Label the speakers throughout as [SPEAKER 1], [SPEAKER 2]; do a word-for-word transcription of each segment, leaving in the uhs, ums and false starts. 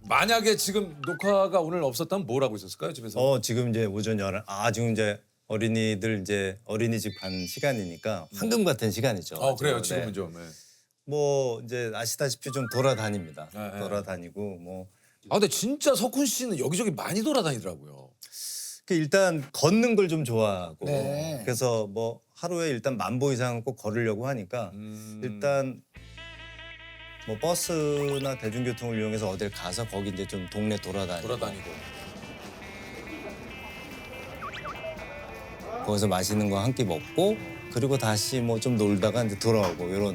[SPEAKER 1] 만약에 지금 녹화가 오늘 없었다면 뭘 하고 있었을까요, 집에서?
[SPEAKER 2] 어 지금 이제 오전 열한 아 지금 이제 어린이들 이제 어린이집 간 시간이니까 황금 같은 시간이죠.
[SPEAKER 1] 어, 그래요.
[SPEAKER 2] 네.
[SPEAKER 1] 지금은 좀. 네.
[SPEAKER 2] 뭐 이제 아시다시피 좀 돌아다닙니다.
[SPEAKER 1] 네, 네.
[SPEAKER 2] 돌아다니고 뭐
[SPEAKER 1] 아, 근데 진짜 석훈 씨는 여기저기 많이 돌아다니더라고요.
[SPEAKER 2] 그 일단 걷는 걸 좀 좋아하고
[SPEAKER 3] 네.
[SPEAKER 2] 그래서 뭐 하루에 일단 만보 이상은 꼭 걸으려고 하니까
[SPEAKER 1] 음.
[SPEAKER 2] 일단 뭐 버스나 대중교통을 이용해서 어딜 가서 거기 이제 좀 동네 돌아다니고
[SPEAKER 1] 돌아다니고.
[SPEAKER 2] 거기서 맛있는 거 한 끼 먹고 그리고 다시 뭐 좀 놀다가 이제 돌아오고 이런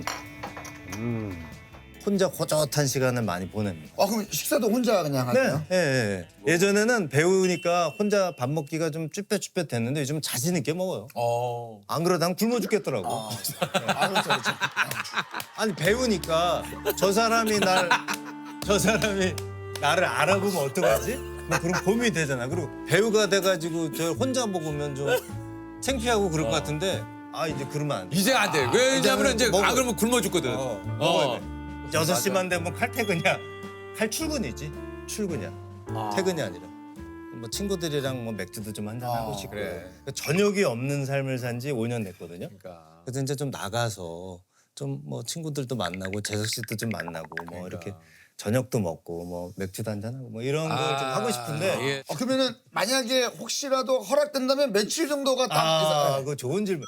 [SPEAKER 2] 혼자 호젓한 시간을 많이 보냅니다.
[SPEAKER 3] 아 그럼 식사도 혼자 그냥
[SPEAKER 2] 네,
[SPEAKER 3] 하세요?
[SPEAKER 2] 예, 예. 예전에는 배우니까 혼자 밥 먹기가 좀 쭈뼛쭈뼛 됐는데 요즘 자신 있게 먹어요.
[SPEAKER 1] 어.
[SPEAKER 2] 안 그러다 굶어 죽겠더라고.
[SPEAKER 3] 아 그렇죠 그렇죠.
[SPEAKER 2] 아니 배우니까 저 사람이 날 저 사람이 나를 알아보면 어떡하지? 뭐 그런 고민이 되잖아. 그리고 배우가 돼가지고 저 혼자 먹으면 좀 창피하고 그럴 것 같은데 아 이제 그러면 안 돼.
[SPEAKER 1] 이제 안 돼. 왜냐면 이제
[SPEAKER 2] 먹어.
[SPEAKER 1] 안 그러면 굶어 죽거든.
[SPEAKER 2] 어,
[SPEAKER 1] 어.
[SPEAKER 2] 먹어야 돼. 여섯 시만 되면 칼퇴근이야. 칼출근이지. 출근이야. 퇴근이 아니라. 뭐 친구들이랑 뭐 맥주도 좀 한잔 하고
[SPEAKER 3] 아,
[SPEAKER 2] 싶고.
[SPEAKER 1] 그래.
[SPEAKER 2] 저녁이 없는 삶을 산 지 오 년 됐거든요.
[SPEAKER 1] 그러니까.
[SPEAKER 2] 그래서 이제 좀 나가서 좀 뭐 친구들도 만나고 재석 씨도 좀 만나고 뭐
[SPEAKER 1] 그러니까.
[SPEAKER 2] 이렇게 저녁도 먹고 뭐 맥주도 한잔 하고 뭐 이런 걸 좀 하고 싶은데
[SPEAKER 1] 예.
[SPEAKER 3] 어, 그러면은 만약에 혹시라도 허락된다면 며칠 정도가 딱
[SPEAKER 2] 아,
[SPEAKER 3] 있어요?
[SPEAKER 2] 그거 좋은 질문.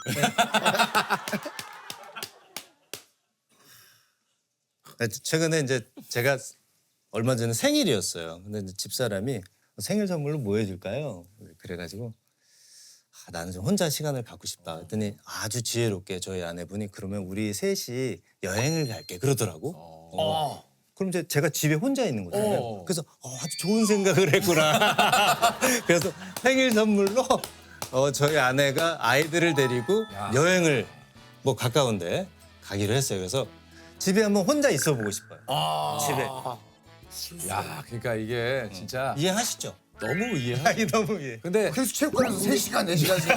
[SPEAKER 2] 네, 최근에 이제 제가 얼마 전에 생일이었어요. 근데 이제 집사람이 생일 선물로 뭐 해줄까요? 그래가지고 아, 나는 좀 혼자 시간을 갖고 싶다. 했더니 아주 지혜롭게 저희 아내분이 그러면 우리 셋이 여행을 갈게 그러더라고. 어. 그럼 이제 제가 집에 혼자 있는 거잖아요.
[SPEAKER 1] 어.
[SPEAKER 2] 그래서 어, 아주 좋은 생각을 했구나. 그래서 생일 선물로 어, 저희 아내가 아이들을 데리고
[SPEAKER 1] 야.
[SPEAKER 2] 여행을 뭐 가까운데 가기로 했어요. 그래서 집에 한번 혼자 있어 보고 싶어요.
[SPEAKER 1] 아.
[SPEAKER 2] 집에.
[SPEAKER 1] 야, 그러니까 이게 진짜
[SPEAKER 2] 이해하시죠?
[SPEAKER 1] 너무 이해하.
[SPEAKER 2] 아니 너무 이해.
[SPEAKER 1] 근데
[SPEAKER 3] 그래서 체육관에서 세 시간 네 시간씩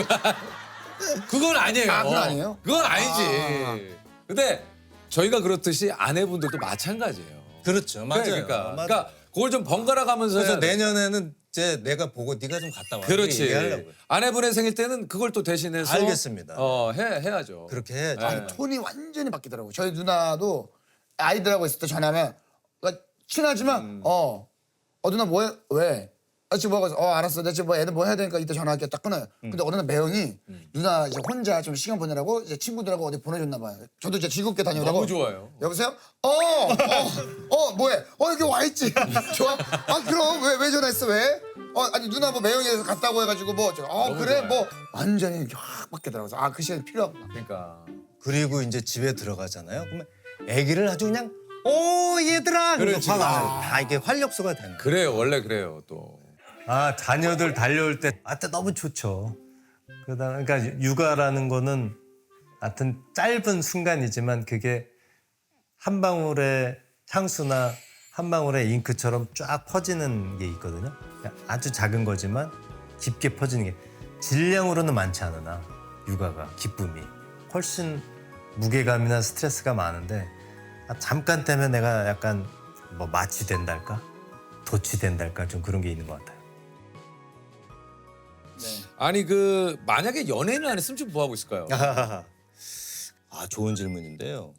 [SPEAKER 1] 그건 아니에요.
[SPEAKER 3] 아, 그건 아니에요?
[SPEAKER 1] 그건 아니지. 근데 저희가 그렇듯이 아내분들도 마찬가지예요.
[SPEAKER 2] 그렇죠. 맞아요.
[SPEAKER 1] 그러니까,
[SPEAKER 2] 맞아요.
[SPEAKER 1] 그러니까 그걸 좀 번갈아 가면서
[SPEAKER 2] 그래서
[SPEAKER 1] 해야 돼.
[SPEAKER 2] 내년에는 이제 내가 보고 네가 좀 갔다 와.
[SPEAKER 1] 그렇지.
[SPEAKER 2] 얘기하려고요.
[SPEAKER 1] 아내분의 생일 때는 그걸 또 대신해서
[SPEAKER 2] 알겠습니다.
[SPEAKER 1] 어, 해 해야죠.
[SPEAKER 2] 그렇게 해야죠.
[SPEAKER 1] 네.
[SPEAKER 3] 아니 톤이 완전히 바뀌더라고요. 저희 누나도 아이들하고 있을 때 전화하면 그러니까 친하지만 어, 어 누나 뭐해? 왜? 아 지금 뭐하고 있어? 어 알았어. 내가 지금 뭐 애들 뭐 해야 되니까 이따 전화할게. 딱 끊어요. 근데 어느 날 매형이 누나 이제 혼자 좀 시간 보내라고 이제 친구들하고 어디 보내줬나 봐요. 저도 이제 즐겁게 다녀오라고.
[SPEAKER 1] 너무 좋아요.
[SPEAKER 3] 여보세요? 어, 어, 어, 뭐해? 어, 여기 와 있지. 좋아? 아, 그럼 왜, 왜 전화했어? 왜? 어, 아니 누나 뭐 매형이라서 갔다고 해가지고 뭐, 저, 어,
[SPEAKER 1] 너무
[SPEAKER 3] 그래,
[SPEAKER 1] 좋아요.
[SPEAKER 3] 뭐 완전히 이렇게 확 바뀌더라고요. 아, 그 시간이 필요하구나.
[SPEAKER 1] 그러니까.
[SPEAKER 2] 그리고 이제 집에 들어가잖아요. 그러면 아기를 아주 그냥 오 얘들아.
[SPEAKER 1] 그렇지,
[SPEAKER 2] 그래서
[SPEAKER 1] 그렇지.
[SPEAKER 2] 막 다 이게 활력소가 되는 거예요.
[SPEAKER 1] 그래요. 원래 그래요, 또.
[SPEAKER 4] 아 자녀들 달려올 때 아때 너무 좋죠. 그러다 그러니까 육아라는 거는 하여튼 짧은 순간이지만 그게 한 방울의 향수나 한 방울의 잉크처럼 쫙 퍼지는 게 있거든요. 아주 작은 거지만 깊게 퍼지는 게 질량으로는 많지 않으나 육아가 기쁨이 훨씬 무게감이나 스트레스가 많은데 아, 잠깐 때문에 내가 약간 뭐 마취된달까 도취된달까 좀 그런 게 있는 것 같아요.
[SPEAKER 1] 아니 그 만약에 연예인을 안 했으면 지금 뭐 하고 있을까요?
[SPEAKER 2] 아 좋은 질문인데요.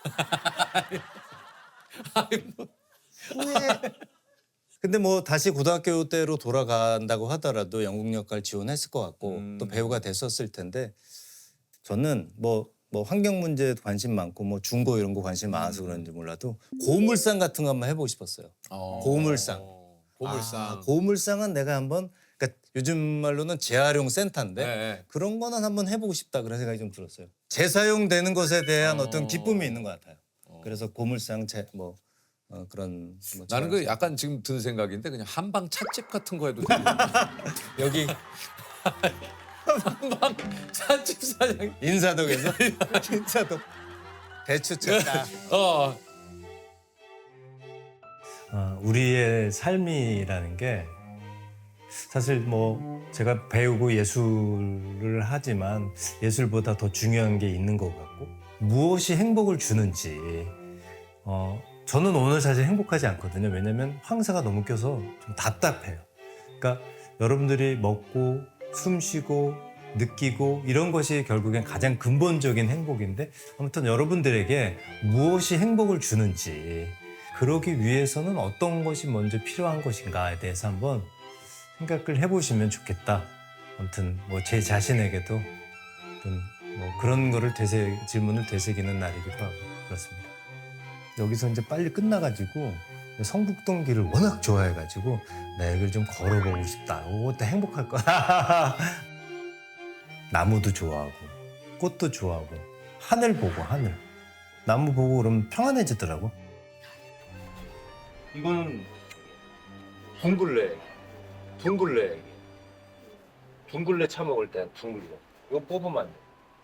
[SPEAKER 2] 근데 뭐 다시 고등학교 때로 돌아간다고 하더라도 연극 역할 지원했을 것 같고
[SPEAKER 1] 음.
[SPEAKER 2] 또 배우가 됐었을 텐데 저는 뭐 뭐 환경 문제 관심 많고 뭐 중고 이런 거 관심 많아서 그런지 몰라도 고물상 같은 거 한번 해보고 싶었어요.
[SPEAKER 1] 어.
[SPEAKER 2] 고물상.
[SPEAKER 1] 고물상.
[SPEAKER 2] 아, 고물상은 내가 한번 그러니까 요즘 말로는 재활용 센터인데
[SPEAKER 1] 네, 네.
[SPEAKER 2] 그런 거는 한번 해보고 싶다 그런 생각이 좀 들었어요. 재사용되는 것에 대한 어. 떤 기쁨이 있는 것 같아요. 그래서 고물상 재, 뭐 어, 그런 뭐
[SPEAKER 1] 나는 그
[SPEAKER 2] 재활용
[SPEAKER 1] 약간 지금 든 생각인데 그냥 한방 찻집 같은 거 해도 되고.
[SPEAKER 2] 여기
[SPEAKER 1] 한방 찻집 사장.
[SPEAKER 2] 인사동에서 인사동 대추차
[SPEAKER 1] 어.
[SPEAKER 4] 어, 우리의 삶이라는 게 사실 뭐 제가 배우고 예술을 하지만 예술보다 더 중요한 게 있는 것 같고 무엇이 행복을 주는지 어, 저는 오늘 사실 행복하지 않거든요. 왜냐면 황사가 너무 껴서 좀 답답해요. 그러니까 여러분들이 먹고 숨 쉬고 느끼고 이런 것이 결국엔 가장 근본적인 행복인데 아무튼 여러분들에게 무엇이 행복을 주는지 그러기 위해서는 어떤 것이 먼저 필요한 것인가에 대해서 한번 생각을 해보시면 좋겠다. 아무튼 뭐 제 자신에게도 어떤 뭐 그런 거를 되새 질문을 되새기는 날이기도 하고 그렇습니다. 여기서 이제 빨리 끝나가지고 성북동 길을 워낙 좋아해가지고 나 여기를 좀 걸어보고 싶다. 그것도 행복할 거야. 나무도 좋아하고 꽃도 좋아하고 하늘 보고 하늘. 나무 보고 그러면 평안해지더라고.
[SPEAKER 5] 이거는 둥글레, 둥글레, 둥글레 차 먹을 때 둥글레. 이거 뽑으면 안 돼.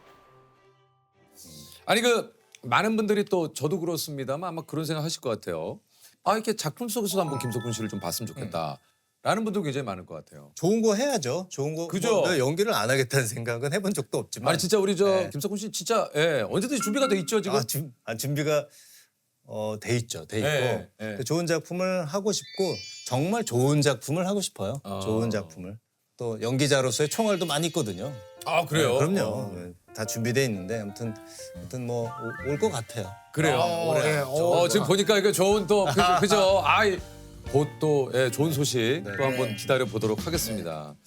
[SPEAKER 1] 아니 그 많은 분들이 또 저도 그렇습니다만 아마 그런 생각 하실 것 같아요. 아 이렇게 작품 속에서도 한번 김석훈 씨를 좀 봤으면 좋겠다. 라는 분도 굉장히 많을 것 같아요.
[SPEAKER 2] 좋은 거 해야죠. 좋은 거.
[SPEAKER 1] 그죠?
[SPEAKER 2] 뭐 내가 연기를 안 하겠다는 생각은 해본 적도 없지만.
[SPEAKER 1] 아니 진짜 우리 저
[SPEAKER 2] 네.
[SPEAKER 1] 김석훈 씨 진짜 예, 언제든지 준비가 돼 있죠 지금.
[SPEAKER 2] 아, 준, 아, 준비가 어, 돼 있죠. 돼 있고
[SPEAKER 1] 네, 네.
[SPEAKER 2] 그 좋은 작품을 하고 싶고 정말 좋은 작품을 하고 싶어요.
[SPEAKER 1] 어.
[SPEAKER 2] 좋은 작품을. 또 연기자로서의 총알도 많이 있거든요.
[SPEAKER 1] 아 그래요?
[SPEAKER 2] 네, 그럼요.
[SPEAKER 1] 어.
[SPEAKER 2] 네, 다 준비돼 있는데 아무튼 아무튼 뭐 올 것 같아요.
[SPEAKER 1] 그래요.
[SPEAKER 3] 어,
[SPEAKER 1] 올해.
[SPEAKER 3] 예,
[SPEAKER 1] 어,
[SPEAKER 3] 어,
[SPEAKER 1] 지금 보니까 이거 좋은 또 그죠? 그죠? 아이 곧 또 예, 좋은 소식
[SPEAKER 2] 네.
[SPEAKER 1] 또 한번 기다려 보도록 하겠습니다.